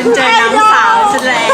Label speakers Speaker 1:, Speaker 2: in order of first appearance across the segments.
Speaker 1: เจอน้องสาวซะแล้ว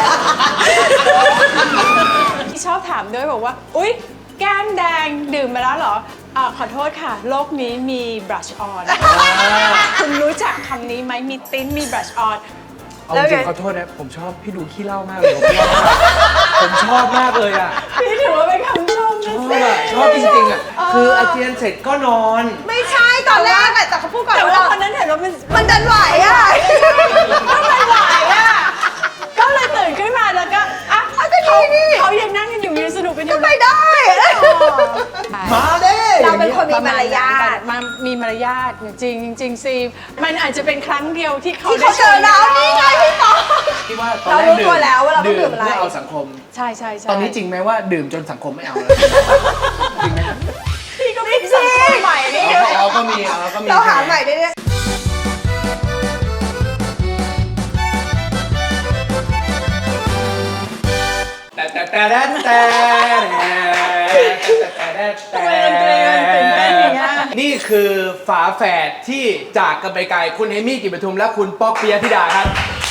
Speaker 1: ชอบถามด้วยบอกว่าอุ๊ยแก้มแดงดื่มมาแล้วเหรอขอโทษค่ะโลกนี้มี brush on คุณรู้จักคำนี้ไหมมีติ้นมี brush on
Speaker 2: เอาจริงขอโทษนะผมชอบพี่ดูขี้เล่ามากเลยผมชอบมากเลยอ่ะ
Speaker 1: พี่ถือว่าเป็นคำชม
Speaker 2: ชอบจริงๆอ่ะคืออาเจียนเสร็จก็นอน
Speaker 3: ไม่ใช่ตอนแรกอะแต่เขาพูดก่อน
Speaker 1: แต่ว่าคนนั้นเห็นว่า
Speaker 3: มันดันไหวอะ
Speaker 1: ก็เลยไหวอะก็เลยตื่นขึ้นมาแล้วก็อ่ะเขายังนั่งกันอยู่ยังสนุกกันอยู่
Speaker 3: ไม่ได้
Speaker 2: มาเด้
Speaker 3: เราเป็นคนมีมารยาท
Speaker 1: มีมารยาทจริงจริงซีมันอาจจะเป็นครั้งเดียวที่เขา
Speaker 3: ได้เจอเรานี่ไงพี่ป๊อก
Speaker 2: ที่ว่าตอนแรกดื่มเพื่อเอาสังคม
Speaker 1: ใช่
Speaker 2: ตอนนี้จริงไหมว่าดื่มจนสังคมไม่เอาแล้วจริงไหม
Speaker 1: พี่ก็ไม่สังคมใหม่นี่
Speaker 2: เราก็มี
Speaker 3: เราหาใหม่ได้
Speaker 2: นี่คือฝาแฝดที่จากกันไปไกลคุณเอมี่กิจปทุมและคุณป๊อกปิยธิดาครับ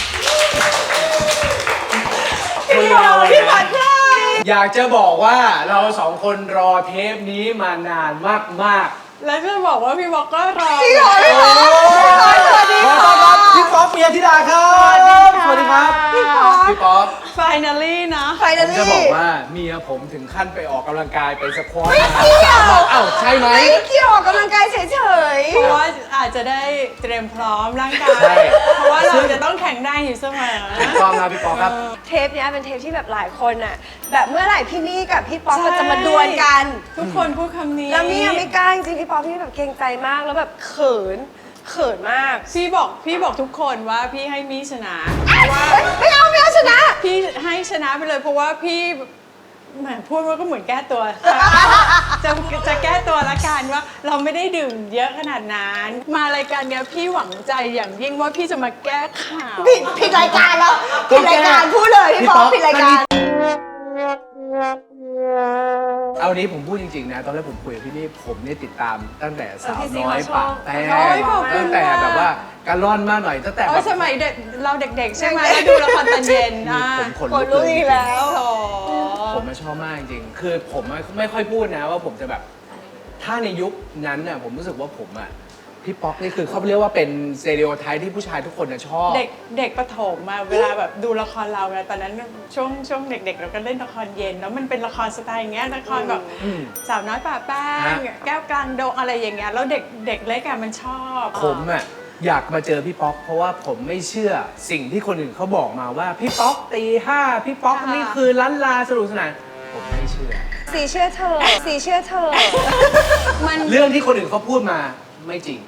Speaker 3: พี่ผัด
Speaker 2: อยากจะบอกว่าเราสองคนรอเทปนี้มานานมาก
Speaker 1: แล้วจะบอกว่าพี่บอกก็รอ
Speaker 3: พี่ป๊อกสวัสดีค่ะ
Speaker 2: พี่ป๊อกปิยธิดาครับสวัสดีครับพี่ป๊อก
Speaker 1: finally นะ
Speaker 2: ผมจะบอกว่าเมียผมถึงขั้นไปออกกำลังกายไปสควอต
Speaker 3: ไม่เกี่ยว
Speaker 2: ใช่ไหม
Speaker 3: ไม่เกี่ยวออกกำลังกายเฉย
Speaker 1: ๆเพราะว่าอาจจะได้เตรียมพร้อมร่างกายเพราะว่าเราจะต้องแข็งแรงอยู่เสมอ
Speaker 2: ถูกต้องครับพี่ป๊อกครับ
Speaker 3: เทปนี้เป็นเทปที่แบบหลายคนอ่ะแบบเมื่อไหร่พี่นี่กับพี่ป๊อกจะมาดวลกัน
Speaker 1: ทุกคนพูดคำนี้
Speaker 3: แล้วมี่ยังไม่กล้าจริงพี่ป๊อกพี่แบบเกรงใจมากแล้วแบบเขินมาก
Speaker 1: พี่บอกทุกคนว่าพี่ให้มี่ชนะว่า
Speaker 3: ไม่เอาชนะ
Speaker 1: พี่ให้ชนะไปเลยเพราะว่าพี่เหมือนพูดว่าก็เหมือนแก้ตัวจะแก้ตัวละกันว่าเราไม่ได้ดื่มเยอะขนาดนั้นมารายการเนี้ยพี่หวังใจอย่างยิ่งว่าพี่จะมาแก้ข่าว
Speaker 3: ผิดรายการแล้วผิดรายการพูดเลยพี่ป๊อกผิดรายการ
Speaker 2: เอานี้ผมพูดจริงๆนะตอนแรกผมคุยกับพี่นี่ผมเนี่ยติดตามตั้งแต่สาวน้อยปากแป้งตั้งแต่แบบว่าการร่อนมากหน่อยตั้งแต่
Speaker 1: สมัยเด็กเราเด็กๆใช่ไหมแล้วดูละครตอนเย็น
Speaker 2: ผมขน
Speaker 3: ลุกแล้ว
Speaker 2: ผมชอบมากจริงๆคือผมไม่ค่อยพูดนะว่าผมจะแบบถ้าในยุคนั้นน่ะผมรู้สึกว่าผมอ่ะพี่ป๊อกนี่คือเขาเรียกว่าเป็นสเตอริโอไทป์ที่ผู้ชายทุกคนชอบ
Speaker 1: เด็กประถมมาเวลาแบบดูละครเราไงตอนนั้นช่วงเด็กๆเราก็เล่นละครเย็นแล้วมันเป็นละครสไตล์อย่างเงี้ยละครแบบสาวน้อยป่าแป้งแก้วกลางดงอะไรอย่างเงี้ยแล้วเด็กเล็กอะมันชอบ
Speaker 2: ผมอะอยากมาเจอพี่ป๊อกเพราะว่าผมไม่เชื่อสิ่งที่คนอื่นเขาบอกมาว่าพี่ป๊อกตีห้าพี่ป๊อกนี่คือล้านลาสนุกสนานผมไม่เชื่อ
Speaker 3: สีเชื่อเธอ
Speaker 2: มันเรื่องที่คนอื่นเขาพูดมาไม่จริง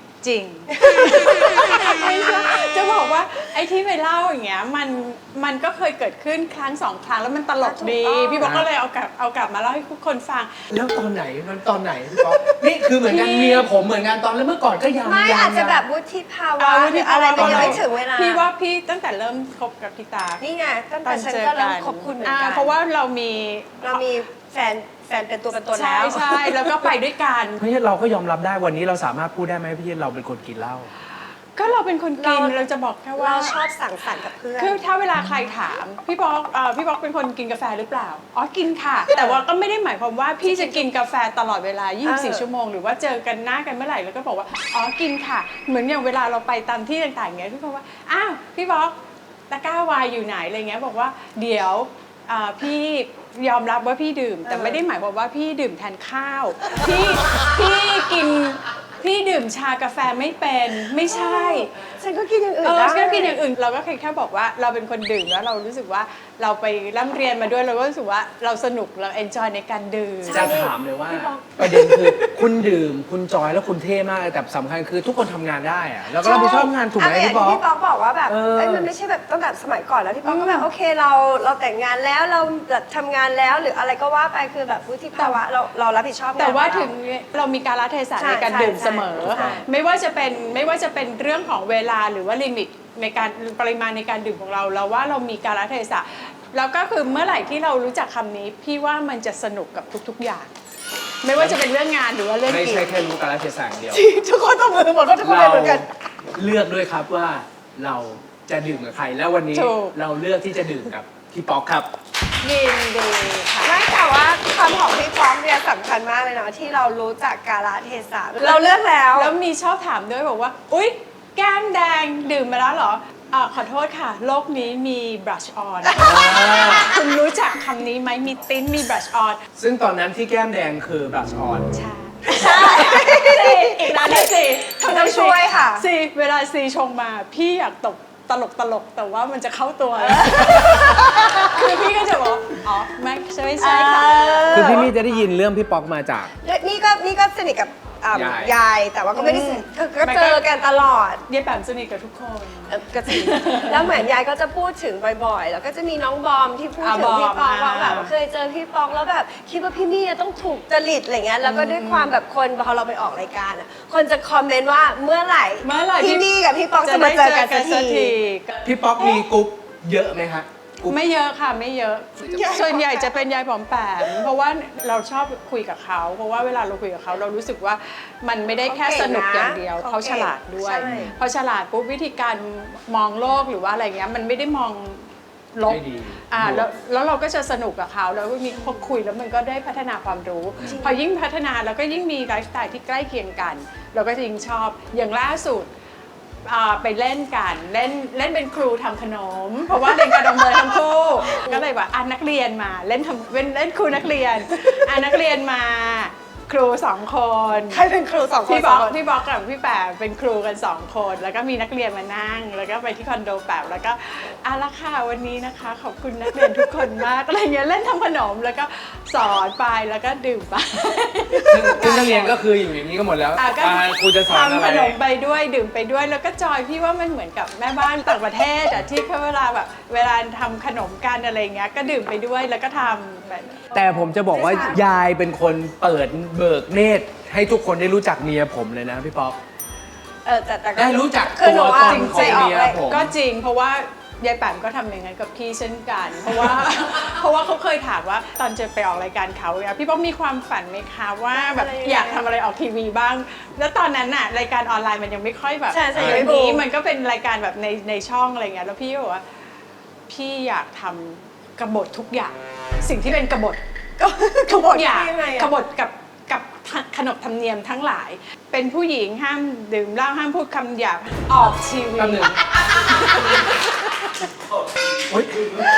Speaker 1: จะบอกว่าไอ้ที่ไปเล่าอย่างเงี้ยมันก็เคยเกิดขึ้นครั้งสองครั้งแล้วมันตลกดีพี่บอกก็เลยเอากลับมาเล่าให้ทุกคนฟัง
Speaker 2: แล้วตอนไหนพี่ป๊อกนี่คือเหมือนกันเมียผมเหมือนกันตอนแล้วเมื่อก่อนก็ยัง
Speaker 3: ไม่อาจจะแบบวุฒิภาวะหรืออะไรมันยังไม่ถึงเวลา
Speaker 1: พี่ว่าพี่ตั้งแต่เริ่มคบกับพี่ตา
Speaker 3: นี่ไงตั้งแต่ฉันก็เริ่มคบคุณเหมือนกัน
Speaker 1: เพราะว่าเรามี
Speaker 3: แฟนเป็นตัวแล้ว
Speaker 1: ใช่แล้วก็ไปด้วยกัน
Speaker 2: พี่เราก็ยอมรับได้วันนี้เราสามารถพูดได้ไหมพี่เราเป็นคนกินเหล้า
Speaker 1: ก็เราเป็นคนกินเราจะบอกแค่ว่า
Speaker 3: เราชอบสังสรรค์กับเพื่อน
Speaker 1: คือถ้าเวลาใครถามพี่ป๊อกเป็นคนกินกาแฟหรือเปล่าอ๋อกินค่ะแต่ว่าก็ไม่ได้หมายความว่าพี่จะกินกาแฟตลอดเวลา24ชั่วโมงหรือว่าเจอกันหน้ากันเมื่อไหร่แล้วก็บอกว่าอ๋อกินค่ะเหมือนอย่างเวลาเราไปตามที่ต่างๆอย่างเงี้ยพี่ป๊อกว่าอ้าวพี่ป๊อกตะกร้าวายอยู่ไหนอะไรเงี้ยบอกว่าเดี๋ยวพี่ยอมรับว่าพี่ดื่มแต่ไม่ได้หมายความว่าพี่ดื่มแทนข้าวพี่ดื่มชากาแฟไม่เป็นไม่ใช่
Speaker 3: ฉันก็กินอย่างอื่น
Speaker 1: ฉันก็กินอย่างอื่นเราก็แค่บอกว่าเราเป็นคนดื่มแล้วเรารู้สึกว่าเราไปร่ำเรียนมาด้วยเราก็รู้สึกว่าเราสนุกเราเอนจอยในการดื่ม
Speaker 2: จะถามเลยว่าประเด็นคือคุณดื่มคุณจอยแล้วคุณเท่มากแต่สำคัญคือทุกคนทำงานได้อะแล้วก็รับผิดชอบงานถูกไหมพี่ป๊อก
Speaker 3: พี่ป๊อกบอกว่าแบบมันไม่ใช่แบบตั้งแต่สมัยก่อนแล้วพี่ป๊อกก็แบบโอเคเราแต่งงานแล้วเราทำงานแล้วหรืออะไรก็ว่าไปคือแบบวุฒิภาวะเรารับผิดชอบ
Speaker 1: แต่ว่าถึงเรามีกาลเทศะในการดื่มเสมอไม่ว่าจะเป็นเรื่องของเวลาหรือว่าลิมิตในการปริมาณในการดื่มของเราว่าเรามีกาลเทศะแล้วก็คือเมื่อไหร่ที่เรารู้จักคำนี้พี่ว่ามันจะสนุกกับทุกๆอย่างไม่ว่าจะเป็นเรื่องงานหรือว่าเรื่อง
Speaker 2: กินไม่ใช่แค่รู้กาลเทศะเดียว
Speaker 3: ทุกคนต้องมือหมดก็ทุกคนเหมือนกัน
Speaker 2: เลือกด้วยครับว่าเราจะดื่มกับใครแล้ววันนี้
Speaker 1: ถูก
Speaker 2: เราเลือกที่จะดื่มกับพี่ป๊อกครับ
Speaker 1: ยินดีค่ะ
Speaker 3: ไม่แต่ว่าคำของพี่ป๊อกเนี่ยสำคัญมากเลยเนาะที่เรารู้จักกาลเทศะเราเลือกแล้ว
Speaker 1: แล้วมีชอบถามด้วยบอกว่า อุ๊ย แก้มแดงดื่มมาแล้วเหรอขอโทษค่ะ โลกนี้มี brush on คุณรู้จักคำนี้ไหมมีติ้นมี brush on
Speaker 2: ซึ่งตอนนั้นที่แก้มแดงคือบลัชออน
Speaker 1: ใช่อีกร้านหนึงสิ
Speaker 3: ต้องช่วยค่ะ
Speaker 1: สิเวลาซีชงมาพี่อยากตกตลกแต่ว่ามันจะเข้าตัว คือพี่ก็จะบอกอ๋อไม่ใช่ค่ะ
Speaker 2: คือพี่มี่จะได้ยินเรื่องพี่ป๊อกมาจาก
Speaker 3: นี่ก็สนิทกับยายแต่ว่าก็ไม่ได้สนิทก็เจอกันตลอด
Speaker 1: ยายแปมสนิทกับทุกคน
Speaker 3: ก็จริงแล้วเหมือนยายก็จะพูดถึงบ่อยๆ แล้วก็จะมีน้องบอมที่พูดถึงพี่ป๊อกว่าแบบเคยเจอพี่ป๊อกแล้วแบบคิดว่าพี่มี่ต้องถูกจริตอะไรเงี้ยแล้วก็ด้วยความแบบคนพอเราไปออกรายการอ่ะคนจะคอมเมนต์ว่าเมื่อไหร่พี่มี่กับพี่ป๊อกจะมาเจอกันสักที
Speaker 2: พี่ป๊อกมีกรุ๊ปเยอะไหมคะกรุ๊ป
Speaker 1: ไม่เยอะค่ะไม่เยอะ ส่วนใหญ่จะเป็นยายผอมแปมเพราะว่าเราชอบคุยกับเขาเพราะว่าเวลาเราคุยกับเขาเรารู้สึกว่ามันไม่ได้แค่สนุกอย่างเดียวเขาฉลาดด้วยพอฉลาดปุ๊บวิธีการมองโลกหรือว่าอะไรเงี้ยมันไม่ได้มองลบ
Speaker 2: ไม่ดี
Speaker 1: แล้วเราก็จะสนุกกับเขาแล้วก็มีพอคุยแล้วมันก็ได้พัฒนาความรู้ พอยิ่งพัฒนาแล้วก็ยิ่งมีไลฟ์สไตล์ที่ใกล้เคียงกัน เราก็จะยิ่งชอบอย่างล่าสุดไปเล่นกันเล่นเป็นครูทำขนม เพราะว่าเรียนกระดองเบอร์ทั้งคู่ก็เลยว่านักเรียนมาเล่นครูนักเรียนนักเรียนมาครู2 คน
Speaker 3: ใครเป็นครูสองคน
Speaker 1: พี่บอกกับพี่แปมเป็นครูกัน2 คนแล้วก็มีนักเรียนมานั่งแล้วก็ไปที่คอนโดแปมแล้วก็ละค่ะวันนี้นะคะขอบคุณนักเรียนทุกคนมากอะไรเงี้ยเล่นทำขนมแล้วก็สอนไปแล้วก็ดื่มไป
Speaker 2: ซึ่งนักเรียนก็คืออยู่อย่างนี้ก็หมดแล้ว
Speaker 1: ก็
Speaker 2: ครูจะสอนอะ
Speaker 1: ทำ
Speaker 2: ไร
Speaker 1: ขนมไปด้วยดื่มไปด้วยแล้วก็จอยพี่ว่ามันเหมือนกับแม่บ้านต่างประเทศที่เขาเวลาทำขนมกันอะไรเงี้ยก็ดื่มไปด้วยแล้วก็ทำแบบ
Speaker 2: แต่ผมจะบอกว่ายายเป็นคนเปิดเบิกเนตรให้ทุกคนได้รู้จักเมียผมเลยนะพี่ป๊อก
Speaker 3: แต่ก็
Speaker 2: ได้รู้จัก
Speaker 3: คือหนู
Speaker 2: ตัว
Speaker 3: ว่า
Speaker 2: ตนของเมียผม
Speaker 1: ก็จริงเพราะว่ายายแปมก็ทำอย่างนั้นกับพี่เช่นกัน เพราะว่าเขาเคยถามว่าตอนจะไปออกรายการเขาเนี่ยพี่ป๊อกมีความฝันไหมคะว่าแบบอยากทำอะไรออกทีวีบ้าง แล้วตอนนั้นน่ะรายการออนไลน์มันยังไม่ค่อยแบบ
Speaker 3: ใช่
Speaker 1: อย่าง
Speaker 3: ไม่
Speaker 1: นี้
Speaker 3: บูม
Speaker 1: มันก็เป็นรายการแบบในช่องอะไรเงี้ยแล้วพี่ก็บอกว่าพี่อยากทำกบฏทุกอย่าง สิ่งที่เป็นกบฏทุกอย่างกบฏกับขนบธรรมเนียมทั้งหลาย เป็นผู้หญิงห้ามดื่มเหล้าห้ามพูดคำหยาบออกทีวี
Speaker 2: แป๊บหนึ่งโอ๊ย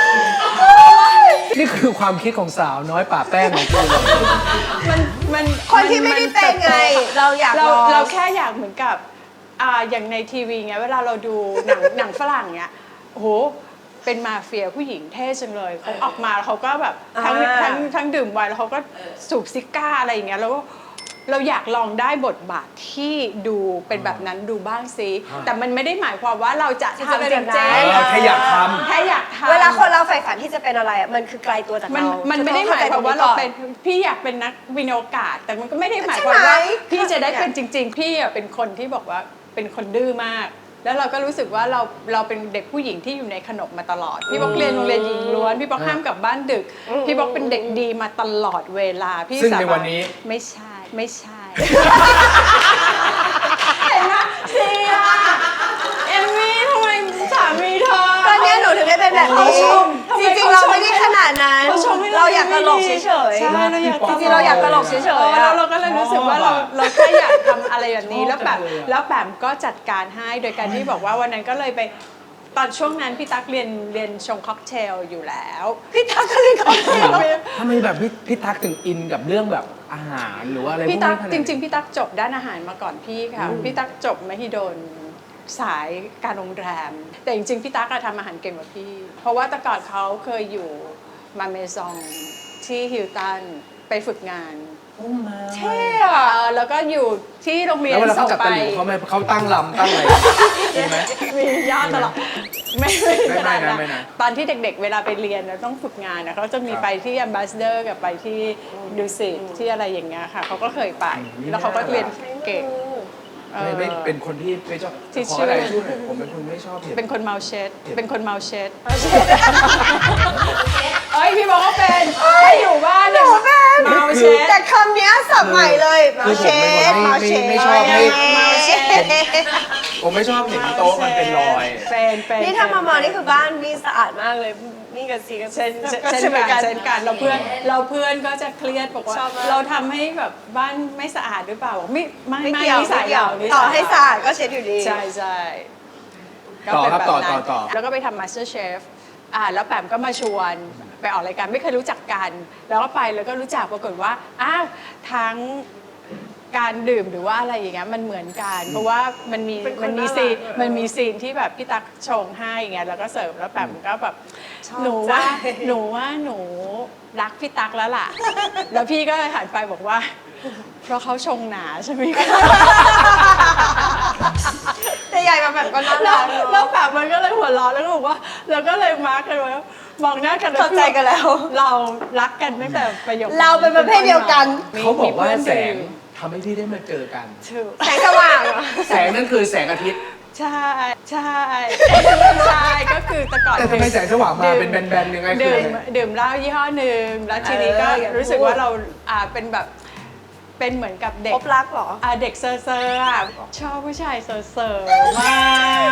Speaker 2: นี่คือความคิดของสาวน้อยป่าแป้งของคุณ
Speaker 1: มัน
Speaker 3: คนที่ไม่ได้เป็นไง เราอยากลอง
Speaker 1: เราแค่อยากเหมือนกับอย่างในทีวีไงเวลาเราดูหนังฝรั่งเนี้ยโอ้โหเป็นมาเฟียผู้หญิงเท่จังเลยเขาออกมาแล้วเขาก็แบบทั้งดื่มไวน์แล้วเขาก็สูบซิก้าอะไรอย่างเงี้ยแล้วเราอยากลองได้บทบาทที่ดูเป็นแบบนั้นดูบ้างซิแต่มันไม่ได้หมายความว่าเราจะทำจริง
Speaker 2: เราแค่อยากท
Speaker 1: แค่อยากทำ
Speaker 3: เวลาคนเราใฝ่ฝันที่จะเป็นอะไรอะมันคือไกลตัวจาก
Speaker 1: มัน
Speaker 3: เรา
Speaker 1: มัน
Speaker 3: จะ
Speaker 1: ไม่
Speaker 3: ต้
Speaker 1: ได้
Speaker 3: อง
Speaker 1: หมายความว่าเราเป็น
Speaker 3: ข้ใจตง
Speaker 1: พี่อยากเป็นนักวินโอกาส แต่มันก็ไม่ได้หมายความว่า
Speaker 3: ใช่ไหม
Speaker 1: พี่จะได้เป็นจริง ๆ พี่เป็นคนที่บอกว่าเป็นคนดื้อมาก แล้วเราก็รู้สึกว่าเราเป็นเด็กผู้หญิงที่อยู่ในขนบมาตลอดพี่บอกเรียนโรงเรียนหญิงล้วนพี่บอกห้ามกลับบ้านดึกพี่บอกเป็นเด็กดีมาตลอดเวลาพี่
Speaker 2: ซึ่ง
Speaker 1: สา
Speaker 2: ใน
Speaker 1: บา
Speaker 2: วันนี้
Speaker 1: ไม่ใช่เห็นไหมเสียเอมมี่ทำไมสามีเธอ
Speaker 3: ตอนเนี้ยหนูถึงได้เป็นแบบนี้
Speaker 1: เขาชม
Speaker 3: จริงๆเราไม่ได้ขนาดนั้น
Speaker 1: เขาชมให้
Speaker 3: เราอยากตลกเฉย
Speaker 1: ใช่เราอยาก
Speaker 3: ๆจริงๆเราอยากตลกเฉยๆ
Speaker 1: แล้
Speaker 3: อะ
Speaker 1: วเราก็เลยรู้สึกว่าเราแค่อยากทำอะไรแบบนี้แล้วแปมก็จัดการให้โดยการที่บอกว่าวันนั้นก็เลยไปตอนช่วงนั้นพี่ตั๊กเรียนชงค็อกเทลอยู่แล้วพี่ตั๊กก็เรียนค็อกเทล
Speaker 2: ทำไมแบบพี่ตั๊กถึงอินกับเรื่องแบบอาหารหรือว่าอะไรพวก
Speaker 1: พี่
Speaker 2: นี้
Speaker 1: ตั๊ก
Speaker 2: ขนาด
Speaker 1: จ
Speaker 2: นั้น
Speaker 1: ริงๆพี่ตั๊กจบด้านอาหารมาก่อนพี่ค่ะพี่ตั๊กจบมหิดลสายการโรงแรมแต่จริงๆพี่ตั๊กทำอาหารเก่งกว่าพี่เพราะว่าแต่ก่อนเขาเคยอยู่มาเมซองที่ฮิลตันไปฝึกงานเท่อะแล้วก็อยู่ที่โรงเรียน
Speaker 2: แล้วเวลา
Speaker 1: ส่
Speaker 2: เขา
Speaker 1: ง
Speaker 2: จับ
Speaker 1: ไป
Speaker 2: ตะหลิวเขาตั้งลำตั้งอะไรมีไหม
Speaker 1: มียอดตลอดไม่ขนาดนั้น
Speaker 2: ไม่นะ
Speaker 1: ตอนที่เด็กๆเวลาไปเรียนต้องฝึกงานนะเขาจะมีไปที่ Ambassador กับไปที่ดูสิตที่อะไรอย่างเงี้ยค่ะเขาก็เคยไปแล้วเขาก็เรียนเก่ง
Speaker 2: ไม่เป็นคนที่ไม่ชอบ
Speaker 1: ที่
Speaker 2: ขอ
Speaker 1: ชื่อ
Speaker 2: อะไรช่วยหน่อยผมเป็นคนไม่ชอบเผ็ด
Speaker 1: เป็นคนเมาเชดเป็นคนเมาเชดเอ้ยพี่บอกว่าเป็นถ้าอยู่บ้านเนี่ยเมาเชด
Speaker 3: แต่คำเนี้ยสับใหม่เลย
Speaker 2: คือผมเป็นคนไม่ชอบให้
Speaker 3: เมาเชด
Speaker 2: ผมไม่ชอบเห็นโต๊ะมันเป็นรอย
Speaker 1: เป็น
Speaker 3: นี่ถ้ามามองนี่คือบ้านนี่สะอาดมากเลยนี่กับซีก็
Speaker 1: เช่น
Speaker 3: ก็
Speaker 1: เช่น
Speaker 3: เหมือนกัน
Speaker 1: เช่นกันเราเพื่อนก็จะเครียดบอกว่า
Speaker 3: ชอบมาก
Speaker 1: เราทำให้แบบบ้านไม่สะอาดหรือเปล่าบอกไม่
Speaker 3: ไม่เกี่ยว
Speaker 1: นิสั
Speaker 3: ไม่
Speaker 1: ย
Speaker 3: เกี่ยว
Speaker 1: นิสัย
Speaker 3: ต่อให้สะอาดก็เช็ดอยู่ดี
Speaker 1: ใช่ใช่
Speaker 2: ต่อครับ
Speaker 1: ก็เป็นแนั้น
Speaker 2: ต่อ
Speaker 1: แล้วก็ไปทำ Master Chef แล้วแปมก็มาชวนไปออกรายการไม่เคยรู้จักกัน แล้วก็ไปแล้วก็รู้จักปรากฏว่าอ้าวทั้งการดื่มหรือว่าอะไรอย่างเงี้ยมันเหมือนกัน เพราะว่ามันมี
Speaker 3: เป็นคน
Speaker 1: มันมี
Speaker 3: น่ารัก
Speaker 1: ซีน
Speaker 3: อะ
Speaker 1: มันมีซีนที่แบบพี่ตั๊กชงให้อย่างเงี้ยแล้วก็เสิร์ฟแล้วแปมก็แบบ
Speaker 3: ชอบ
Speaker 1: หนูว่า
Speaker 3: ใจ
Speaker 1: หนูรักพี่ตั๊กแล้วล่ะ แล้วพี่ก็เลยหันไปบอกว่า เพราะเขาชงหนาใช่ไหมคะ
Speaker 3: แต่ใหญ่มาแบบก็น่า
Speaker 1: แล้
Speaker 3: รั
Speaker 1: ว
Speaker 3: กเนอะ
Speaker 1: แล้วแบบมันก็เลยหัวเราะแล้วก็บอกว่าแล้วก็เลยมาร์กกันไว้มองหน้ากัน
Speaker 3: เข้าใจกันแล้ว
Speaker 1: เรารักกันตั้งแต่ประโยค
Speaker 3: เราเป็นประเภทเดียวกัน
Speaker 2: เขาบอกว่าแสง
Speaker 1: มี
Speaker 2: ทำให้พี่ได้มาเจอกัน
Speaker 1: เพื่อนดื่ม
Speaker 3: แสงสว่างเหรอ
Speaker 2: แสงนั่นคือแสงอาทิตย์
Speaker 1: ใช่ใช่ใช่ก็คือแต่ก่อน
Speaker 2: แต่ทำไมแสงสว่างมาเป็นแบนๆยังไงคือ
Speaker 1: ดื่มเหล้ายี่ห้อหนึ่งแล้วทีนี้ก็
Speaker 3: อย่า
Speaker 1: รู้สึก
Speaker 3: พูด
Speaker 1: ว่าเราเป็นแบบเป็นเหมือนกับเด็ก
Speaker 3: พบรักเหรอ
Speaker 1: เด็กเซอร์ๆชอบผู้ชายเซอร์มาก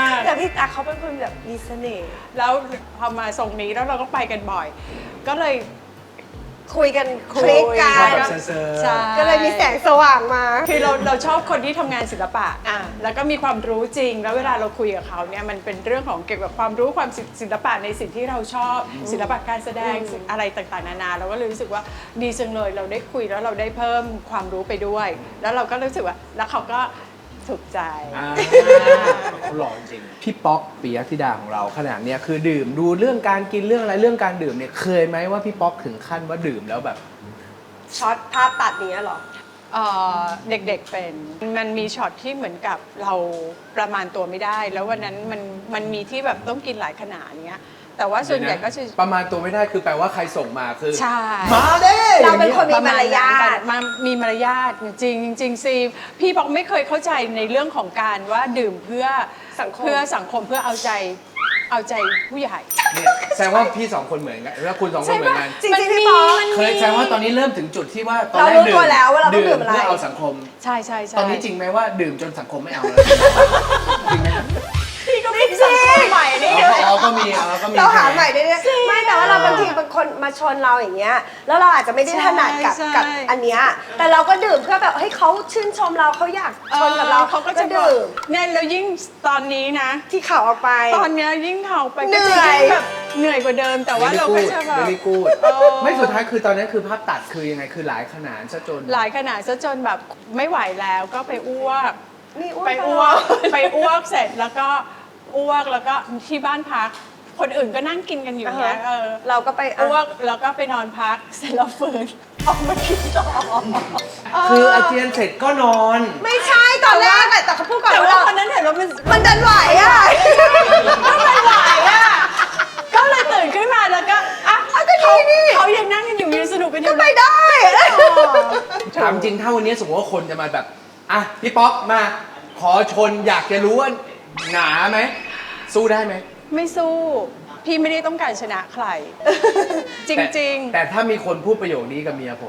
Speaker 3: แต่พี่ตั๊กเขาเป็นคนแบบมีเสน่ห์
Speaker 1: แล้วพอมาทรงนี้แล้วเราก็ไปกันบ่อย ก็เลย
Speaker 3: คุยกันคลิกกั
Speaker 2: ชอบ
Speaker 3: น
Speaker 2: แบบเซอร์
Speaker 1: ใช่
Speaker 3: ก็เลยมีแสงสว่างมา
Speaker 1: คือเราชอบคนที่ทำงานศิลปะแล้วก็มีความรู้จริง แล้วเวลาเราคุยกับเขาเนี่ยมันเป็นเรื่องของเกี่ยวกับความรู้ความศิลปะในสิ่งที่เราชอบศิลปะการแสดงสิ่งอะไรต่างๆนานาเราก็เลยรู้สึกว่าดีจังเลยเราได้คุยแล้วเราได้เพิ่มความรู้ไปด้วย แล้วเราก็รู้สึกว่าแล้วเขาก็ถูกใจ
Speaker 2: เขาหล่อจริงพี่ป๊อกปิยธิดาของเราขนาดเนี้ยคือดื่มดูเรื่องการกินเรื่องอะไรเรื่องการดื่มเนี่ยเคยไหมว่าพี่ป๊อกถึงขั้นว่าดื่มแล้วแบบ
Speaker 3: ช็อตภาพตัดเนี้ยเหรอ
Speaker 1: เด็กๆเป็นมันมีช็อตที่เหมือนกับเราประมาณตัวไม่ได้ แล้ววันนั้นมันมีที่แบบต้องกินหลายขนาดเงี้ยแต่ว่าส่วนใหญ่ก็จะ
Speaker 2: ประมาณตัวไม่ได้คือแปลว่าใครส่งมาคือ
Speaker 1: ใช่
Speaker 2: มาเด้
Speaker 3: เราเป็นคน
Speaker 1: ประมาณ
Speaker 3: มีมารยาท
Speaker 1: มีมารยาทจริงๆจริงๆซีพี่บอกไม่เคยเข้าใจในเรื่องของการว่าดื่มเพื่อ
Speaker 3: สังคม
Speaker 1: เพื่อเอาใจผู้ใหญ่
Speaker 2: เนี่ยแสดงว่าพี่สองคนเหมือนกันแล้วคุณสองคนเหมือนกัน
Speaker 3: จริงๆพี่ป๊อก
Speaker 2: เคยแสดงว่าตอนนี้เริ่มถึงจุดที่ว่าตอนแรก
Speaker 3: เรารู้ตัวแล้วว่าเราต้องดื่มอะไร
Speaker 2: เพื่อเอาสังคม
Speaker 1: ใช่ใช่ใช่
Speaker 2: ตอนนี้จริงไหมว่าดื่มจนสังคมไม่เอาแล้วจริงไหมครับ
Speaker 1: พี่ก็เป็นสังคมใหม่นี่
Speaker 2: อ๋อก็มีก็มี
Speaker 3: เราหาใหม่ได้เนี่ยไม่แต่ว่าเราบางทีบางคนมาชนเราอย่างเงี้ยแล้วเราอาจจะไม่ได้ถนัดกับอันเนี้ยแต่เราก็ดื่มเพื่อแบบให้เขาชื่นชมเราเขาอยากชนกับเรา
Speaker 1: เขาก็จะบอก
Speaker 3: ดื่ม
Speaker 1: เนี่ยแล้วยิ่งตอนนี้นะ
Speaker 3: ที่เขาออกไป
Speaker 1: ตอนเนี้ยยิ่งเข่าไป
Speaker 3: เหนื่
Speaker 1: ก็
Speaker 3: อย
Speaker 1: จะยิ่งแบบเหนื่อยกว่าเดิม แต่ว่าเราก็จะแบบ
Speaker 2: ไม่กูด
Speaker 1: เออ
Speaker 2: ไม่สุดท้ายคือตอนนี้คือภาพตัดคือยังไงคือหลายขนาดซะจน
Speaker 1: หลายขนาดซะจนแบบไม่ไหวแล้วก็ไปอ้วก
Speaker 3: นี่อ้ว
Speaker 1: ไป
Speaker 3: น
Speaker 1: อ้วกไปอ้วกเสร็จแล้วก็อ้วกแล้วก็ที่บ้านพัก คนอื่นก็นั่งกินกันอยู่เนี้ย
Speaker 3: เราก็ไป
Speaker 1: อ้วกแล้วก็ไปนอนพักเสร็จแล้วฟื้นออกมากินต่อ
Speaker 2: คืออาเจียนเสร็จก็นอน
Speaker 3: ไม่ใช่ตอนแรกอะแต่เขาพูดก่อน
Speaker 1: แต่
Speaker 3: ว่า
Speaker 1: ว่าคนนั้นเห็นว่ามัน
Speaker 3: มันดันไหวอะ
Speaker 1: มันไหวอ่ะก็เลยตื่นขึ้นมาแล้วก็อ่ะ
Speaker 3: ก็ดีนี่
Speaker 1: เขายังนั่งกันอยู่ยังสนุกกันอ
Speaker 3: ก็
Speaker 1: ยู่
Speaker 3: ไป
Speaker 1: เลย
Speaker 3: ได้
Speaker 2: ถามจริงถ้าวันนี้สมมติว่าคนจะมาแบบอ่ะพี่ป๊อกมาขอชนอยากจะรู้ว่าหนาไหมสู้ได้ไหม
Speaker 1: ไม่สู้พี่ไม่ได้ต้องการชนะใคร จริง
Speaker 2: แต่ถ้ามีคนพูดประโยคนี้กับเมียผม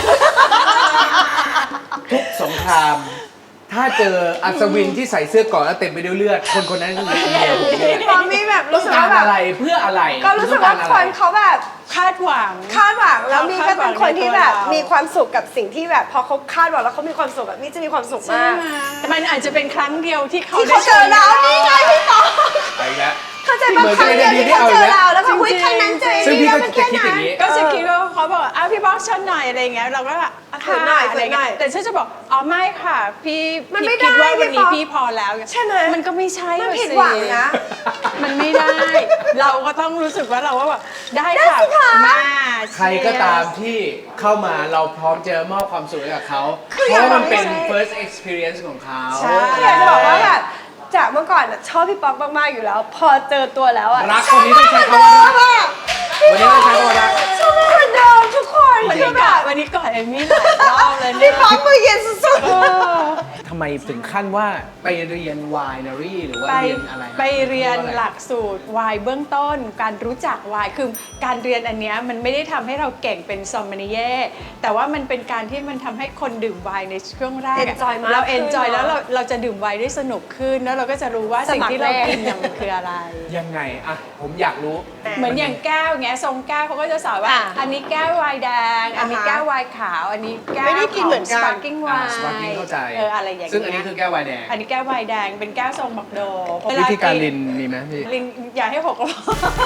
Speaker 2: ทุกสงคราม ถ้าเจออัศวินที่ใส่เสื้อเกราะแล้วเต็มไปด้วยเลือด คนคนนั้นคือเมียผมเนี่ย
Speaker 3: พอมีแบบ
Speaker 2: ต้อ
Speaker 3: รู้
Speaker 2: ง
Speaker 3: สึก
Speaker 2: การ
Speaker 3: ว่าแบบ
Speaker 2: อะไรเพื่ออะไร
Speaker 3: ก็รู้สึกว่าคนเขาแบบ
Speaker 1: ๆ คาดหวัง
Speaker 3: คาดหวังแล้วมีก็เป็นคนที่แบบ
Speaker 1: คาดหวังในตัวเรามี
Speaker 3: มีความสุขกับสิ่งที่แบบ พอเขาคาดหวังแล้วเขามีความสุขแบบนี่จะมีความสุข
Speaker 1: ใช่
Speaker 3: มาก
Speaker 1: ไหมมันอาจจะเป็นครั้งเดียวที่เขา
Speaker 3: ที่เขาเจอเรานี่ไงพี่ป๊อก
Speaker 2: ไปแล้ว
Speaker 3: เข้าใจปะครั้งเดียวที่เขาเจอเราแล้วก็อุ้ยครั้งนั้นเจอ
Speaker 2: ซึ่ง
Speaker 3: นี่
Speaker 2: พี่
Speaker 3: แล้ว
Speaker 2: ก็
Speaker 3: มัน
Speaker 2: จะ
Speaker 3: แค่
Speaker 2: คิดอ
Speaker 3: นั้
Speaker 2: ย่าน งนี้
Speaker 1: ก็จะคิดว่าเขาบอกอ้าวพี่บอกฉันหน่อยอะไรเงี้ยเราก็แบบ
Speaker 3: ฝืนหน่อย
Speaker 1: อะไร
Speaker 3: ฝืนหน่
Speaker 1: เงี้
Speaker 3: อย
Speaker 1: ยแต่ฉันจะบอกอ๋อไม่ค่ะพี่
Speaker 3: มันไม่
Speaker 1: คิดว่า
Speaker 3: ได้
Speaker 1: วันนี้
Speaker 3: พี่
Speaker 1: พี่พอแล้ว
Speaker 3: ใช่ไหม
Speaker 1: มันก็ไม่ใช่
Speaker 3: มัน
Speaker 1: อะ
Speaker 3: ผิด
Speaker 1: สิ
Speaker 3: หวังนะ
Speaker 1: มันไม่ได้ เราก็ต้องรู้สึกว่าเราว่าแบบได้
Speaker 3: ได้
Speaker 1: ค่ะ
Speaker 3: สิคะ
Speaker 1: มา
Speaker 2: ใครก็ตามที่เข้ามาเราพร้อมจะมอบความสุขให้กับเขา
Speaker 3: คือ
Speaker 2: เพ
Speaker 3: อยาก
Speaker 2: ราะมันเป็น
Speaker 3: บอกให้
Speaker 2: first experience ของเขา
Speaker 1: ใช่
Speaker 3: อยากจะบอกว่าแบบจากเมื่อก่อนอะชอบพี่ป๊อกมากๆอยู่แล้ว พอเจอตัวแล้วอะ
Speaker 2: รักคนนี้ต้องใช้คำว่ารัก วันนี้ต้องใช้คำว่ารัก
Speaker 3: ชอบเหมือนเดิมทุกคน
Speaker 1: วัน
Speaker 3: คื
Speaker 1: นี้
Speaker 3: อแบ
Speaker 1: ก่อบ นวันนี้ก่อนเอมมี่หลายรอบเลย
Speaker 3: พี่
Speaker 1: เนี่ย
Speaker 3: ป๊อกมือเย็นสุด
Speaker 1: เออ
Speaker 2: ทำำไมถึงขั้นว่าไปเรียน winery หรือว่า
Speaker 1: ไป
Speaker 2: เรียนอะไร
Speaker 1: ไปเรียนหลั
Speaker 2: ก
Speaker 1: กสูตรไวน์เบื้องต้น การรู้จักไวน์คือการเรียนอันเนี้ยมันไม่ได้ทำให้เราเก่งเป็นซอมเมนิเย่แต่ว่ามันเป็นการที่มันทำให้คนดื่มไวน์ในช่วงแรกอะ
Speaker 3: Enjoy มาก
Speaker 1: เรา
Speaker 3: ขึ้น
Speaker 1: เอนจอย
Speaker 3: เนอะ
Speaker 1: แล้วเราจะดื่มไวน์ได้สนุกขึ้นแล้วเราก็จะรู้ว่าสิ่งที่เรากินเนี่ยมันคืออะไร
Speaker 2: ยังไงอะผมอยากรู้
Speaker 1: เหมือนอย่างแก้วเงี้ยทรงแก้วเขาก็จะสอนว่า อันนี้แก้วไวน์แดง อันนี้แก้วไวน์ขาว อันนี้แก้ว
Speaker 3: ไม่ได้กินเหมือนกัน
Speaker 1: สปาร์กิ้งไวน์
Speaker 2: sparkling เข้าใจ
Speaker 1: อะไรอย่างเงี้ย
Speaker 2: ซึ่งอันนี้คือแก้วไวน์แดง
Speaker 1: อันนี้แก้วไวน์แดงเป็นแก้วทรงบักโด
Speaker 2: วิธีการลินมีไหมพี่
Speaker 1: ลินอย่าให้หกก็พอ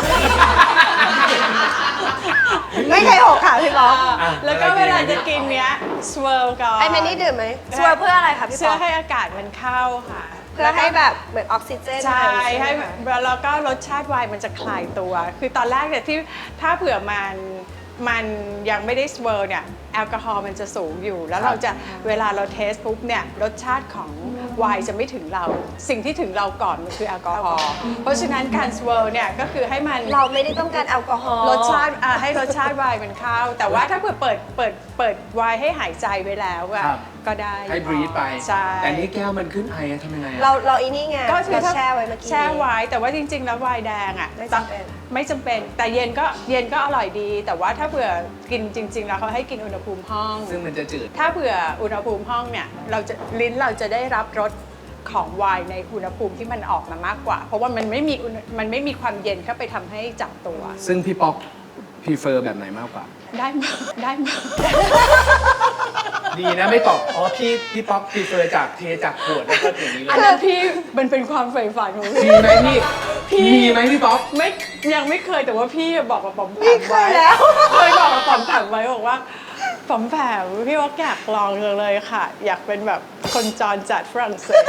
Speaker 3: ไม่เคยหกค่ะพี่ป๊อก
Speaker 1: แล้วก็เวลาจะกินเนี้ยสเวิร์ก่อน
Speaker 3: ไอ้แมนนี่ดื่มไหมช่วยเพื่ออะไรคะพี่
Speaker 1: เพื่
Speaker 3: ป๊
Speaker 1: อ
Speaker 3: อก
Speaker 1: ให้อากาศมันเข้าค่ะ
Speaker 3: เพื่อให้แบบเหมือนออกซิเจน
Speaker 1: ใช่
Speaker 3: อะไร
Speaker 1: ให้
Speaker 3: ไหม
Speaker 1: แล้วก็รสชาติไวน์มันจะคลายตัว คือตอนแรกเนี่ยที่ถ้าเผื่อมันยังไม่ได้สเวิร์เนี่ยแอลกอฮอล์มันจะสูงอยู่ แล้วเราจะเวลาเราเทสปุ๊บเนี่ยรสชาติของไวน์จะไม่ถึงเรา สิ่งที่ถึงเราก่อนมันคือแอลกอฮอล์เพราะฉะนั้นการสเวิร์เนี่ยก็คือให้มัน
Speaker 3: เราไม่ได้ต้องการแอลกอฮอล์
Speaker 1: รสชาติให้รสชาติไวน์มันเข้า แต่ว่าถ้าเผื่อเปิดไวน์ให้หายใจไว้แล้วอะ
Speaker 2: ครับ
Speaker 1: ก็ได้
Speaker 2: ให้บรีดไป
Speaker 1: ใช่
Speaker 2: แต่นี่แก้วมันขึ้นไออะทำยังไงอะ
Speaker 3: เราอีนี่ไง
Speaker 1: ก็คือ
Speaker 3: เรา
Speaker 1: ถ้า
Speaker 3: แช่ไว้เมื่อกี้
Speaker 1: แช่ไว้แต่ว่าจริง ๆ แล้วไวน์แดงอ่ะ
Speaker 3: ไม่จำเป็น
Speaker 1: ไม่จำเป็น แต่เย็นก็อร่อยดี แต่ว่าถ้าเผื่อกินจริง ๆ แล้วเขาให้กินอุณหภูมิห้อง
Speaker 2: ซึ่งมันจะจืด
Speaker 1: ถ้าเผื่ออุณหภูมิห้องเนี่ยลิ้นเราจะได้รับรสของไวน์ในอุณหภูมิที่มันออกมามากกว่า เพราะว่ามันไม่มีความเย็นเข้าไปทำให้จับตัว
Speaker 2: ซึ่งพี่ป๊อกพรีเฟอร์แบบไหนมากกว่า
Speaker 1: ได้หมดได้หมด
Speaker 2: ดีนะไม่ตอบ อ๋อพี่ป๊อกพรีเฟอร์จากเทจากขวดแล้วก็อย่างนี้เล
Speaker 1: อั
Speaker 2: ย
Speaker 1: นนั้นพี่มันเป็นความใฝ่ฝันของพี่
Speaker 2: มีไหมพี่มีไหมพี่ป๊อก
Speaker 1: ไม่ยังไม่เคยแต่ว่าพี่บอกกับป๋อมแป
Speaker 3: นี่
Speaker 1: ม
Speaker 3: เค
Speaker 1: ไว้
Speaker 3: ยแล้ว
Speaker 1: เคยบอกกับป๋อมแปมไว้บอกว่าป๋อมแปมพี่ว่าอยากลองเลยค่ะ อยากเป็นแบบคนจรจัดฝรั่งเศส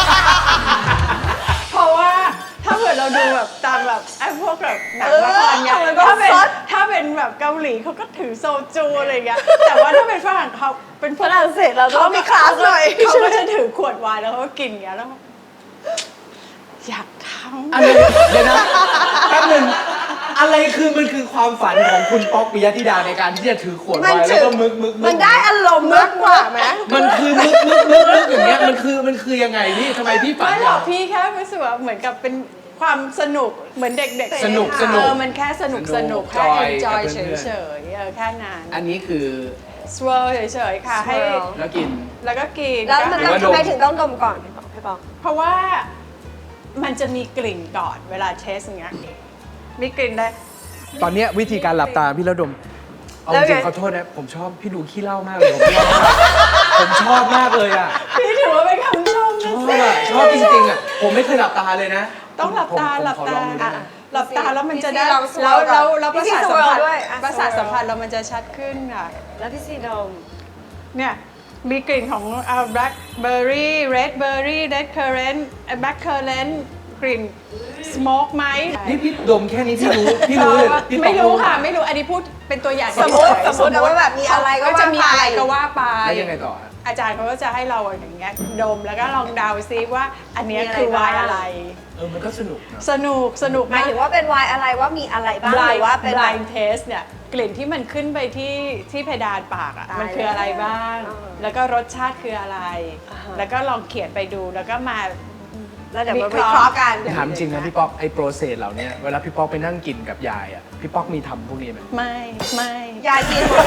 Speaker 1: เพราะว่าถ้าเกิดเราดูแบบตามแบบไอ้พวกแบบหนังละครเนี่ย
Speaker 3: มันก็
Speaker 1: ถ้าเป็นแบบเกาหลีเขาก็ถือโซจูอะไรอย่างเงี้ยแต่ว่าถ้าเป็นฝรั่งเขาเป็น
Speaker 3: ฝรั่งเศสเราต้องมีคลาสหน่อย
Speaker 1: เขาก็จะถือขวดไวน์แล้วเขาก็กินอย่างเงี้ยแล้วอยากทำ
Speaker 2: อะไรเดี๋ยวนะแป๊บหนึงอะไรมันคือความฝันของคุณป๊อกปิยธิดาในการที่จะถือขวดไวน์แล้วก็มึก
Speaker 3: มันได้อารมณ์มากกว่าไหม
Speaker 2: มันคือมึกอย่างเงี้ยมันคือยังไงพี่ทำไมพี่ฝัน
Speaker 1: ไม่หร
Speaker 2: อ
Speaker 1: อกพี่แค่รู้สึกว่าเหมือนกับเป็นความสนุกเหมือนเด็กๆ
Speaker 2: สนุก
Speaker 1: มันแค่สนุก
Speaker 2: สนุก
Speaker 1: แค่
Speaker 2: จอย
Speaker 1: enjoy
Speaker 2: กับเพื่อนๆ
Speaker 1: เฉยๆแค่นั้น
Speaker 2: อันนี้คือ
Speaker 1: swirl เฉยๆค่ะให้
Speaker 3: swirl
Speaker 2: แล้วกิน
Speaker 1: แล้วก็กิน
Speaker 3: แล้วมัน
Speaker 2: หรือว่าดม
Speaker 3: ทำไมถึงต้องดมก่อนพี่ป๊อก
Speaker 1: เพราะว่ามันจะมีกลิ่นก่อนเวลาเทสอย่างเงี้ยมีกลิ่นได้
Speaker 2: ตอนเนี้ยวิธีการหลับตาพี่ระดมเอา
Speaker 3: แล้ว
Speaker 2: จริง
Speaker 3: ไง
Speaker 2: ขอโทษนะผมชอบพี่ดูขี้เหล้ามากเลยผมชอบมากเลยอ่ะ
Speaker 1: พี่ถือว่าเป็นคำชม
Speaker 2: ช
Speaker 1: นะ
Speaker 2: อบ
Speaker 1: สิ
Speaker 2: อ่ะชอบจริงๆอ่ะผมไม่เคยหลับตาเลยนะ
Speaker 1: ต้องหลับตา
Speaker 2: ผม
Speaker 1: หลับ
Speaker 2: ขอ
Speaker 1: ตา
Speaker 2: ลองดูได้ไหม
Speaker 1: หลับตาแล้วมันจะได้
Speaker 3: พี่ซีลอง
Speaker 1: แล้ว
Speaker 3: swirl ก่อน
Speaker 1: แล้วประ
Speaker 3: พี่
Speaker 1: สาท
Speaker 3: ซี
Speaker 1: สัมผัส
Speaker 3: swirl ด้วยอ่ะ
Speaker 1: ประสาท
Speaker 3: swirl
Speaker 1: สัมผัสเรามันจะชัดขึ้นค่ะ
Speaker 3: แล้วพี่ซีดม
Speaker 1: เนี่ยมีกลิ่นของblackberry redberry red currant black currant กลิ่น smoke ไหม
Speaker 2: นี่พี่ดมแค่นี้พี่รู้เลยพี่
Speaker 1: ไม่รู้
Speaker 2: ต้อง
Speaker 1: ค่ะ ไม่รู้อันนี้พูดเป็นตัวอย่าง
Speaker 3: สมมุติ
Speaker 1: เฉยๆ
Speaker 3: สมมุติว่าแบบมีอะไรก็
Speaker 1: จะมี
Speaker 3: ว่าไป
Speaker 1: อะไรก็ว่าไป
Speaker 2: แล้วยังไงต่อฮะ
Speaker 1: อาจารย์เขาก็จะให้เราอย่างเงี้ยดมแล้วก็ลองเดาซิว่าอันเนี้ย
Speaker 3: มีอะไร
Speaker 1: คือไวน์
Speaker 3: บ้าง
Speaker 1: อะไร
Speaker 2: มันก็สนุกนะ
Speaker 1: สนุก
Speaker 3: หมายถึงว่าเป็นไวน์อะไรว่ามีอะไรบ้างห
Speaker 1: blind
Speaker 3: รือว่าเป็นแบบ
Speaker 1: blind taste เนี่ยกลิ่นที่มันขึ้นไปที่เพดานปากอ่ะ
Speaker 3: ตาย
Speaker 1: มันคืออะไรบ้าง
Speaker 3: แล้ว
Speaker 1: แล้วก็รสชาติคืออะไร
Speaker 3: อ่าฮะ
Speaker 1: แล้วก็ลองเขียนไปดูแล้วก็มา
Speaker 3: แล้วเดี๋ยวมาวิเคราะห์กัน
Speaker 2: ถามจริงนะพี่ป๊อกไอ้โปรเซสเหล่านี้เวลาพี่ป๊อกไปนั่งกินกับยายอ่ะพี่ป๊อกมีทำพวกนี้ไหม
Speaker 1: ไม่
Speaker 3: ยายกินหมด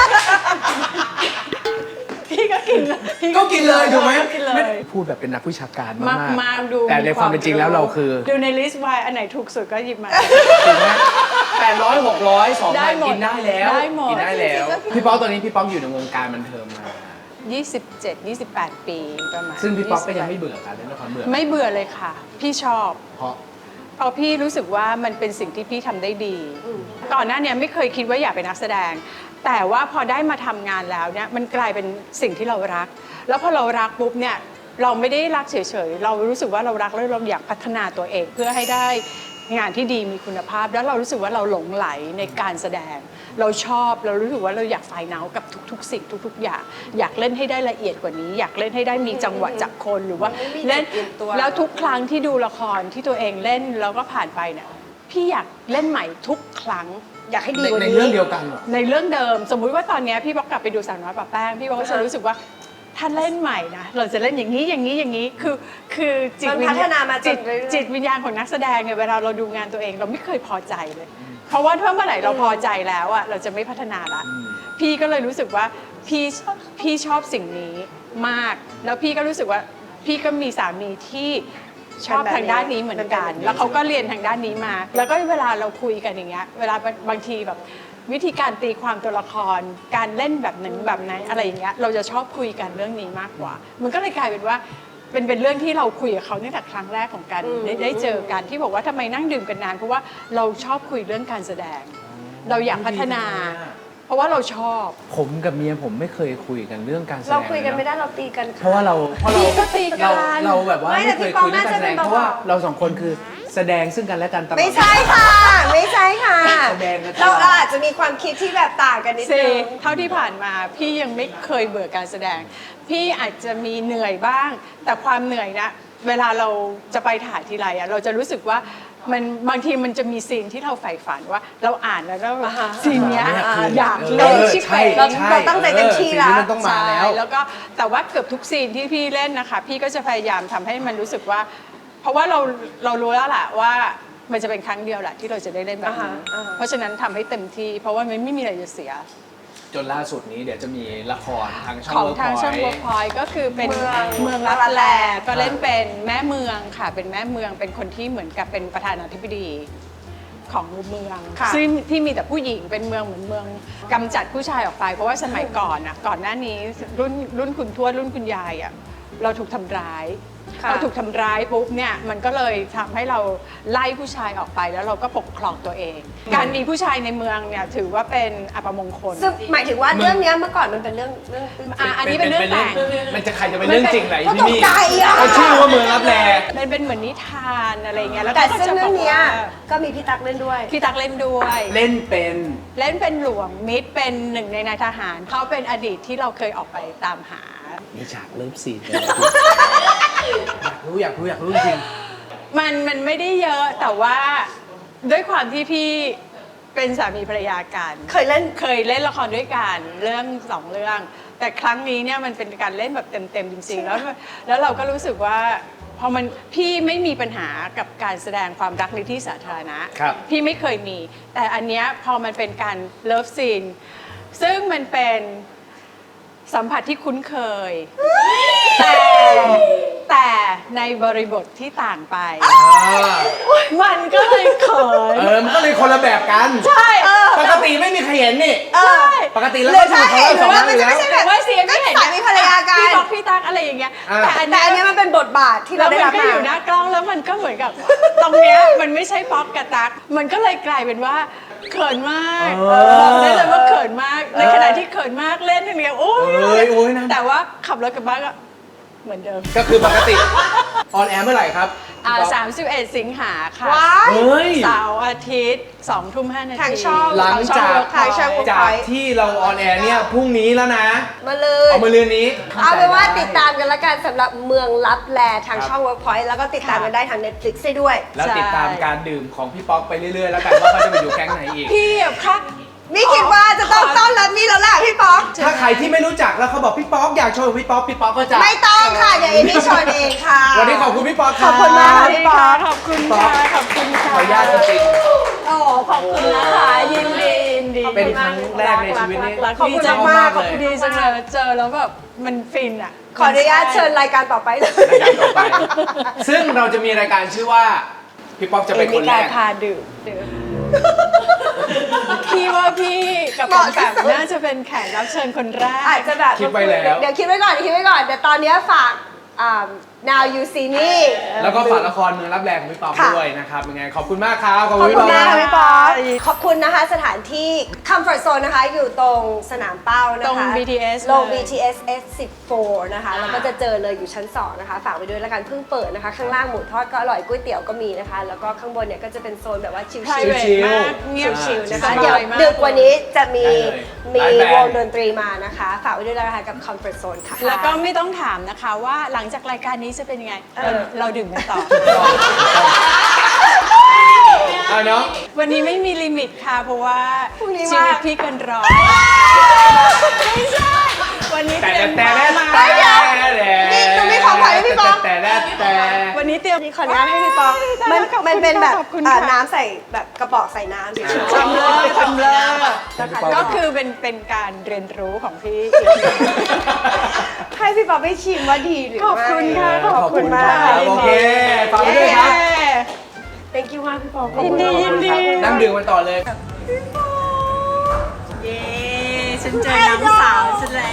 Speaker 1: พี่ก็กินเลยพี่
Speaker 2: ก็กินเลยถูกไหม
Speaker 1: กินเลย
Speaker 2: พูดแบบเป็นนักวิชาการมาก
Speaker 1: มาดู
Speaker 2: แต่ในความเป็นจริงแล้วเราคือ
Speaker 1: ดูในลิสต์ไวน์อันไหนถูกสุดก็หยิบมา
Speaker 2: ถูกไหม800 600 2,000
Speaker 1: ได้หมด
Speaker 2: กินได้แล้ว
Speaker 1: ได้หมด
Speaker 2: กินได้แล้ว พี่ป๊อกตอนนี้พี่ป๊อกอยู่ในวงการบันเทิงมา
Speaker 1: 27-28 ปีประมาณ
Speaker 2: ซึ่งพี่ป๊อกก็ยังไม่เบื่อการเล่นละครเบื่อ
Speaker 1: ไม่เบื่อเลยค่ะ พี่ชอบ
Speaker 2: เพราะ
Speaker 1: เพราะพี่รู้สึกว่ามันเป็นสิ่งที่พี่ทำได้ดี ก่อนหน้าเนี้ไม่เคยคิดว่าอยากเป็นนักแสดง แต่ว่าพอได้มาทำงานแล้วเนี่ยมันกลายเป็นสิ่งที่เรารัก แล้วพอเรารักปุ๊บเนี่ยเราไม่ได้รักเฉยๆเรารู้สึกว่าเรารักแล้วเราอยากพัฒนาตัวเอง เพื่อให้ได้งานที่ดีมีคุณภาพ แล้วเรารู้สึกว่าเราหลงไหลในการแสดง เราชอบเรารู้สึกว่าเราอยากไฟเนากับทุกๆสิ่งทุกๆอย่างอยากเล่นให้ได้ละเอียดกว่านี้ อยากเล่นให้ได้มีจังหวะจากคนหรือว่าเล่นแล้วทุกครั้งที่ดูละครที่ตัวเองเล่นแล้วก็ผ่านไปเนี่ยพี่อยากเล่นใหม่ทุกครั้ง
Speaker 3: อยากให้ดีกว่า
Speaker 2: ใน
Speaker 3: นี้
Speaker 2: เรื่องเดียวกันเหรอ
Speaker 1: ในเรื่องเดิมสมมุติว่าตอนเนี้ยพี่บอกกลับไปดูสาวน้อยปะแป้งพี่บอกก็จะรู้สึกว่าถ้าเล่นใหม่นะเราจะเล่นอย่างนี้อย่างนี้อย่างนี้คือจิต
Speaker 3: มัน
Speaker 1: วิญ
Speaker 3: พัฒ
Speaker 1: ญาณ
Speaker 3: นามาจนเรื่อยๆ
Speaker 1: จิตวิญญาณของนักแสดงเนี่ยเวลาเราดูงานตัวเองเราไม่เคยพอใจเลย เพราะว่าถ้าเมื่อไหร่เราพอใจแล้วอะเราจะไม่พัฒนาละพี่ก็เลยรู้สึกว่าพี่ชอบสิ่งนี้มาก แล้วพี่ก็รู้สึกว่าพี่ก็มีสามีที่ชอบทางด้านนี้เหมือนกัน แล้วเขาก็เรียนทางด้านนี้มา แล้วก็เวลาเราคุยกันอย่างเงี้ยเวลาบางทีแบบวิธีการตีความตัวละครการเล่นแบบหนึ่งแบบไหนอะไรอย่างเงี้ยเราจะชอบคุยกันเรื่องนี้มากกว่า มันก็เลยกลายเป็นว่าเป็นเรื่องที่เราคุยกับเขาตั้งแต่ครั้งแรกของการได้เจอกันที่บอกว่าทำไมนั่งดื่มกันนานเพราะว่าเราชอบคุยเรื่องการแสดง เราอยากพัฒนา เพราะว่าเราชอบ
Speaker 2: ผมกับเมียผมไม่เคยคุยกันเรื่องการแสดง
Speaker 3: เราคุยกันไม่ได้เราตีกันค่ะ
Speaker 2: เพราะว่าเรา
Speaker 1: พี่ก็ตีกัน
Speaker 2: เราแบบว่า
Speaker 3: ไม่
Speaker 2: ไม่
Speaker 3: แต่
Speaker 2: เคย
Speaker 3: พี่ปอ
Speaker 2: คุยเรื่องการแสดง
Speaker 3: น่าจะเป็น
Speaker 2: เพราะว่า
Speaker 3: เบาๆ
Speaker 2: เราสองคนคือแสดงซึ่งกันและกันตลอด
Speaker 3: ไม่ใช่ค่ะ ไม่ใช่ค่ะ
Speaker 2: แสดงกันตล
Speaker 3: เรา
Speaker 2: อด
Speaker 3: อาจจะมีความคิดที่แบบต่างกันนิด
Speaker 1: เซ
Speaker 3: นึง
Speaker 1: เท่าที่ผ่านมาพี่ยังไม่เคยเบื่อการแสดง พี่อาจจะมีเหนื่อยบ้าง แต่ความเหนื่อยนะเวลาเราจะไปถ่ายทีไรอะเราจะรู้สึกว่ามันบางทีมันจะมีซีนที่เราใฝ่ฝันว่าเราอ่านแล้วซีนเนี้ยอยากเล่นชิบ
Speaker 2: ใช่
Speaker 1: เป๋ง
Speaker 2: ใช่
Speaker 3: เราตั้งใจเต็มที่แล้ว
Speaker 2: สิ่งนี้มันต้องมาแล้ว
Speaker 1: ใช่แล้วก็แต่ว่าเกือบทุกซีนที่พี่เล่นนะคะ พี่ก็จะพยายามทำให้มันรู้สึกว่า เพราะว่าเรารู้แล้วแหละว่ามันจะเป็นครั้งเดียวแหละที่เราจะได้เล่นแบบนี้เพราะฉะนั้นทำให้เต็มที่เพราะว่ามันไม่มีอะไรจะเสีย
Speaker 2: จนล่าสุดนี้เดี๋ยวจะมีละครทางช่อง
Speaker 1: ของ
Speaker 2: เวิร์ก
Speaker 1: ทาง
Speaker 2: พ
Speaker 1: ช่อง
Speaker 2: อย
Speaker 1: เวิร์กพอยต์ก็คือเป็น
Speaker 3: เมื
Speaker 1: เมื
Speaker 3: อ
Speaker 1: อง งลับแลก็เล่นเป็นแม่เมืองค่ะ เป็นแม่เมืองเป็นคนที่เหมือนกับเป็นประธานาธิบดีของเมือง
Speaker 3: ค่ะ
Speaker 1: ซึ่งที่มีแต่ผู้หญิงเป็นเมืองเหมือนเมืองกำจัดผู้ชายออกไป เพราะว่าสมัยก่อนอ่ะก่อนหน้านี้รุ่นคุณทวดรุ่นคุณยายอ่ะเราถูกทำร้าย
Speaker 3: ค่ะ
Speaker 1: พอถูกทำร้ายปุ๊บเนี่ยมันก็เลยทำให้เราไล่ผู้ชายออกไปแล้วเราก็ปกครองตัวเอง การมีผู้ชายในเมืองเนี่ยถือว่าเป็นอัปมงคล
Speaker 3: ซึ่งหมายถึงว่าเรื่องเนี้ยเมื่อก่อนมันเป็นเรื่อง
Speaker 1: อันนี้เป็นเรื่องแต่ง
Speaker 2: มันจะใครจะเป็นเรื่องจริงไหน
Speaker 3: ก็
Speaker 2: ที่
Speaker 3: ตก
Speaker 2: นี่
Speaker 3: ใจอ่ะ
Speaker 2: เขาชื่อว่าเมืองรับแล
Speaker 1: มันเป็นเหมือนนิทานอะไรเงี้ยแล้ว
Speaker 3: แต่
Speaker 1: ก็
Speaker 3: ซึ่ง
Speaker 1: จะ
Speaker 3: เรื่
Speaker 1: บ
Speaker 3: อ
Speaker 1: อง ก
Speaker 3: เนี้ย
Speaker 1: ว่า
Speaker 3: ก็มีพี่ตั๊กเล่นด้วย
Speaker 1: พี่ตักเล่นด้วย
Speaker 2: เล่นเป็น
Speaker 1: เล่นเป็นหลวงมิตรเป็นหนึ่งในนายทหารเขาเป็นอดีตที่เราเคยออกไปตามหา
Speaker 2: มีฉากเลิฟซีนเลยอยากรู้จริง
Speaker 1: มันไม่ได้เยอะแต่ว่าด้วยความที่พี่เป็นสามีภรรยากัน
Speaker 3: เคยเล่น
Speaker 1: เคยเล่นละครด้วยกันเรื่อง2 เรื่อง แต่ครั้งนี้เนี่ยมันเป็นการเล่นแบบเต็มๆจริงๆแล้วเราก็รู้สึกว่าพอมันพี่ไม่มีปัญหากับการแสดงความรักในที่สาธารณะ
Speaker 2: ครับ
Speaker 1: พี่ไม่เคยมี แต่อันเนี้ยพอมันเป็นการเลิฟซีนซึ่งมันเป็นสัมผัสที่คุ้นเคย แต่ในบริบทที่ต่างไป มันก็เลยเขิน
Speaker 2: มันก็เลยคนละแบบกัน
Speaker 1: ใช่
Speaker 2: ปกติไม่มีใครเห็นนี่
Speaker 3: เออ
Speaker 1: ใช่
Speaker 2: ปกติแล้ว
Speaker 3: หรื
Speaker 2: ก็
Speaker 3: อ
Speaker 2: จะ
Speaker 3: ถ้า
Speaker 2: มีเขา
Speaker 3: เห็น
Speaker 2: สอง
Speaker 3: ว่า
Speaker 2: คน
Speaker 3: มัน
Speaker 2: อ
Speaker 3: จะ
Speaker 2: ยู่แล้ว
Speaker 3: ไม่ใช่แบบ
Speaker 1: ว่าเสียงที่เห็น
Speaker 3: สามีภรรยากัน
Speaker 1: พี่บอกพี่ตั๊กอะไรอย่างเงี้ย
Speaker 2: อ่า
Speaker 1: แต่อัน
Speaker 3: แต่อัน
Speaker 1: เนี้
Speaker 3: เนี้
Speaker 1: ย
Speaker 3: ยมันเป็นบทบาทที่
Speaker 1: แล้
Speaker 3: เรา
Speaker 1: ว
Speaker 3: ได้
Speaker 1: มัน
Speaker 3: รับ
Speaker 1: ก็
Speaker 3: มา
Speaker 1: อยู่หน้ากล้องแล้วมันก็เหมือนกับ ตรงเนี้ยมันไม่ใช่ป๊อกกับตั๊กมันก็เลยกลายเป็นว่าเขินมากบอกได้เลยว่าเขินมากในขณะที่เขินมากเล่นอย่างเงี้ยโอ้ยแต่ว่าขับรถกลับบ้านก็เหมือนเดิม
Speaker 2: ก็คือปกติออนแอร์เมื่อไหร่ครับ
Speaker 1: 31 สิงหาค่ะ
Speaker 3: ว้าย
Speaker 2: เฮ้ย
Speaker 1: เสาร์อาทิตย์2:05 น.
Speaker 3: ทางช่อง
Speaker 2: หลังจาก
Speaker 3: ทางช่อง
Speaker 2: จากที่เราออนแอร์เนี่ยพรุ่งนี้แล้วนะ
Speaker 3: มาเลย
Speaker 2: เอามาเรือนนี้
Speaker 3: เอาเป็นว่าติดตามกันละกันสำหรับเมืองลับแลทางช่อง Workpoint แล้วก็ติดตามกันได้ทาง Netflix ได้ด้วย
Speaker 2: แล้วติดตามการดื่มของพี่ป๊อกไปเรื่อยๆ แล้วกันว่าเขาจะไปอยู่แก๊งไหนอีก
Speaker 1: พี่อะค่ะ
Speaker 3: นี่คิดว่าจะต้องต้อนรับนี่แล้วแหละพี่ป๊อก
Speaker 2: ถ้าใครที่ไม่รู้จักแล้วเขาบอกพี่ป๊อกอยากโชว์พี่ป๊อกก็จะ
Speaker 3: ไม่ต้องค่ะ เดี๋ยวเอมี่ชอนเองค่ะ
Speaker 2: วันนี้ขอบคุณพี่ป๊อก
Speaker 3: ขอบคุณมาก
Speaker 1: ข
Speaker 3: ค่ะ
Speaker 1: อบคุณค่ะขอบคุณค่ะขอบคุณค่ะ
Speaker 2: ขออนุญาตจริง
Speaker 1: โอ้ขอบคุณนะคะยินดียินดี
Speaker 2: ๆเป็นครั้งแรกในชีวิตนี้
Speaker 1: รัก
Speaker 3: ขอบ
Speaker 1: ดี
Speaker 3: คุณ
Speaker 1: จัง
Speaker 3: มาก
Speaker 1: ขอบ
Speaker 3: ๆ
Speaker 1: คุณดีจังเลยเจอแล้วแบบมันฟินอ่ะ
Speaker 3: ขออนุญาตเชิญรายการต่อไปเลย
Speaker 2: รายการต่อไป ซึ่งเราจะมีรายการชื่อว่าพี่ป๊อกจะเป็นคนแร
Speaker 1: มี
Speaker 2: ก
Speaker 1: พาดื่มพี่ว่าพี่กับปอมแปมน่าจะเป็นแขกรับเชิญคนแรก
Speaker 3: อาจจะแบบ
Speaker 2: คิดไว้แล้ว
Speaker 3: เดี๋ยวคิดไว้ก่อนเดี๋ยวตอนเนี้ยฝากNow You See Me
Speaker 2: แล้วก็ฝากละครเมืองรับแรงของพี่ป๊อก
Speaker 3: ค่ะ
Speaker 2: ด้วยนะครับยังไงขอบคุณมากครับขอบ
Speaker 3: ขอบ
Speaker 2: คุณ
Speaker 3: คุณ
Speaker 2: พี่ป๊
Speaker 3: มาก
Speaker 2: อก
Speaker 3: ค่ะพี่ป๊อกขอบคุณนะคะสถานที่ Comfort Zone นะคะอยู่ตรงสนามเป้านะคะ
Speaker 1: ตรง BTS
Speaker 3: ลง
Speaker 1: เลย
Speaker 3: BTS S14 นะคะแล้วก็จะเจอเลยอยู่ชั้น 2 นะคะ ฝากไว้ด้วยแล้วกันเพิ่งเปิดนะคะ ข้างล่างหมูทอดก็อร่อยก๋วยเตี๋ยวก็มีนะคะ แล้วก็ข้างบนเนี่ยก็จะเป็นโซนแบบว่าชิล
Speaker 1: private
Speaker 2: ชิลๆ
Speaker 1: มากเงียบ
Speaker 3: ชิลๆนะคะ
Speaker 1: สบาย
Speaker 3: เดี๋ยว
Speaker 1: มาก
Speaker 3: ดึกกว่านี้จะมี
Speaker 2: ได้เลย
Speaker 3: มี
Speaker 2: ไลฟ์แบนด์
Speaker 3: วงดนตรีมานะคะ ฝากไว้ด้วยแล้วนะคะกับ Comfort Zone ค่ะ
Speaker 1: แล้วก็ไม่ต้องถามนะคะว่าหลังจากรายการนี้จะเป็นยังไง เราดื่มกันต่อ
Speaker 2: เอาเนาะ
Speaker 1: วันนี้ไม่มีลิมิตค่ะ เพราะว่า
Speaker 3: พรุ่งนี้
Speaker 1: ชีวิต
Speaker 3: ว่า
Speaker 1: พี่เกันร้อยไม่ใช่วันนี้
Speaker 2: แต่
Speaker 1: เตรียม
Speaker 2: แต่
Speaker 1: มา
Speaker 2: แต่
Speaker 3: นี่หนูมีของขวัญให้พี่ป๊อก
Speaker 2: แต่
Speaker 1: วันนี้เตรียม
Speaker 3: นี่ขออนุญาตให้พี่ปอง
Speaker 1: ได้
Speaker 3: มัน
Speaker 1: ขอบคุณ
Speaker 3: มันเป็นแบบ
Speaker 1: ขอบคุณค่ะ
Speaker 3: น้ำใส่แบบกระบอกใส่น้ำเฉยๆ
Speaker 1: ทำเลยทำเลย
Speaker 2: นะคะ
Speaker 1: ก็คือเป็นการเรียนรู้ของพี่
Speaker 3: ให้พี่ปองไปชิมว่าดีหรือ
Speaker 1: ขอบ
Speaker 3: ไม่
Speaker 1: คุณค่ะ
Speaker 3: ขอบคุณมาก
Speaker 2: ครับโอเคฝากไว้ด้วยครับ
Speaker 3: thank you มากพี่ปอง
Speaker 1: ยินดียินดี
Speaker 2: นั่งดื่มกันต่อเลย
Speaker 1: เย้ฉันเจอน้องสาวฉันแล้ว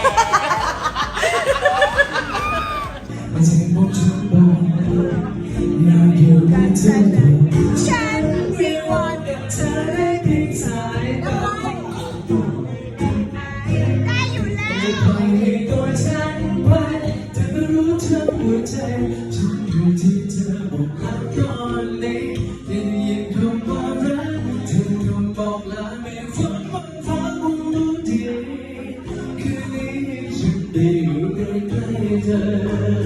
Speaker 4: ฉันไม่วันเธอได้เพียงสายตาได้อยู่แล้วปล่อยให้ตัวฉันไปเธอรู้ทั้งหัวใจฉันอยู่ที่เธอบอกรักตอนนี้ได้ยินคำว่ารักเธอคำบอกลาไม่ฝันวันฟ้าคงรู้ดีคืนนี้ฉันได้อยู่ใกล้ๆเธอ